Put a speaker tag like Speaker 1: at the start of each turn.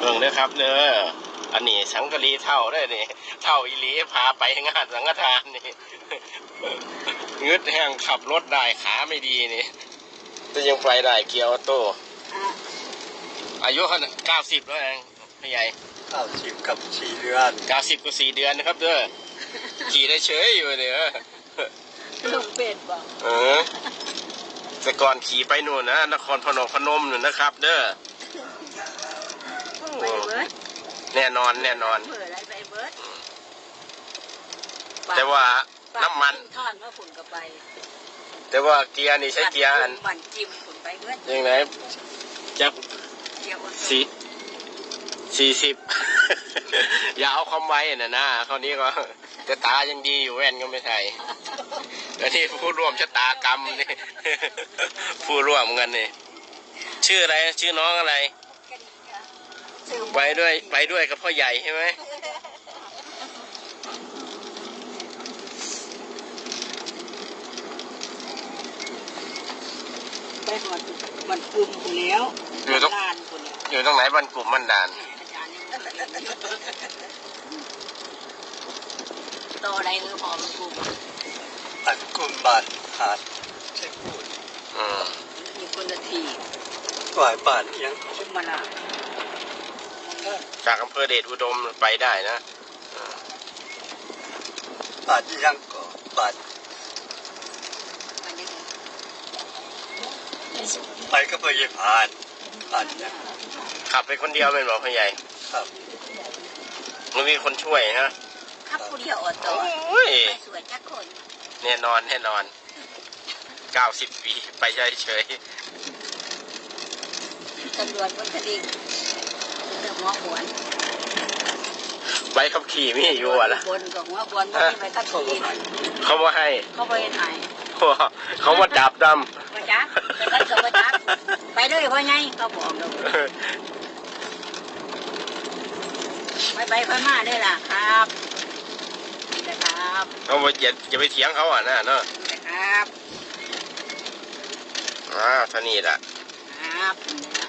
Speaker 1: บิ่งเด้อครับเด้ออันนี้สังกะรีเท่าได้นี่เท่าอีหลีพาไปงานสังฆทานนี่งึดแห้งขับรถได้ขาไม่ดีนี่จะยังไปได้เกียร์ออโต้อายุเขา90แล้วเองพี่ใหญ่
Speaker 2: 90 กับ4 เดือน
Speaker 1: 90กับ4 เดือนนะครับเด้อขี่ได้เฉยอยู่เนี่ย
Speaker 3: ลูกเป็ดบอก
Speaker 1: แต่ก่อนขี่ไปนู่นนะนครพนมนู่นนะครับเด้อ
Speaker 3: ไปเบิร์ด
Speaker 1: แน่นอนแต่ว่าน้ำมัน
Speaker 3: ท่อนว่าฝุ่นก็ไป
Speaker 1: แต่ว่าเกียร์นี่ใช้เกียร์อัน
Speaker 3: ปั่นจิ้มฝุ่นไปเบิร์ด
Speaker 1: ยังไงจะ40อย่าเอาความไวน่ะนะคราวนี้ก็จะตายังดีอยู่แว่นก็ไม่ใช่อันนี้ผู้ร่วมชะตากรรมนี่ผู้ร่วมกันนี่ชื่ออะไรชื่อน้องอะไรไปด้วยกับพ่อใหญ่ใช่ไหม
Speaker 3: ไปหอดมันกลุ่มคนแล้ว
Speaker 1: อยู่ตรงไหนบ้านกลุ่มบ้านด่าน
Speaker 3: โตอะไรพอมันกลุ่ม
Speaker 2: บ้านกลุ่มบ้านหาดใช่พูด
Speaker 3: มีคนละที
Speaker 2: กว่าบ้านยัง
Speaker 3: ชุมมาลา
Speaker 1: จากอำเภอเดชอุดมไปได้นะ
Speaker 2: บ้านยังก็บ้านไปก็ไปเยี่ยมผ่านเนี่ย
Speaker 1: ขับไปคนเดียวเป็นหรอพ่อใหญ่
Speaker 2: ครับ
Speaker 1: มันมีคนช่วยฮะ
Speaker 3: ขับคนเดียวอดต่อไปสวยจักคน
Speaker 1: แน่นอน90 ปีไปเฉย
Speaker 3: ตำรวจคนคดีเรื่องหัวขวน
Speaker 1: ใบขับขี่ไม่อยู่อ่ะล่ะ
Speaker 3: บนกับหัวขวนไม่ไปขับขี่
Speaker 1: เขาว่าให้
Speaker 3: เขาไปไหน
Speaker 1: เขาว่าจับดำ
Speaker 3: มาจับไปขับกับมาจับไปเลยว่าไงเขาบอกเราไปมาเลยล่ะครับนะครับ
Speaker 1: เขาว่าอย่าไปเถียงเขาอ่ะนะเนาะ
Speaker 3: นะครับ
Speaker 1: ท่านี้แหละ
Speaker 3: ครับ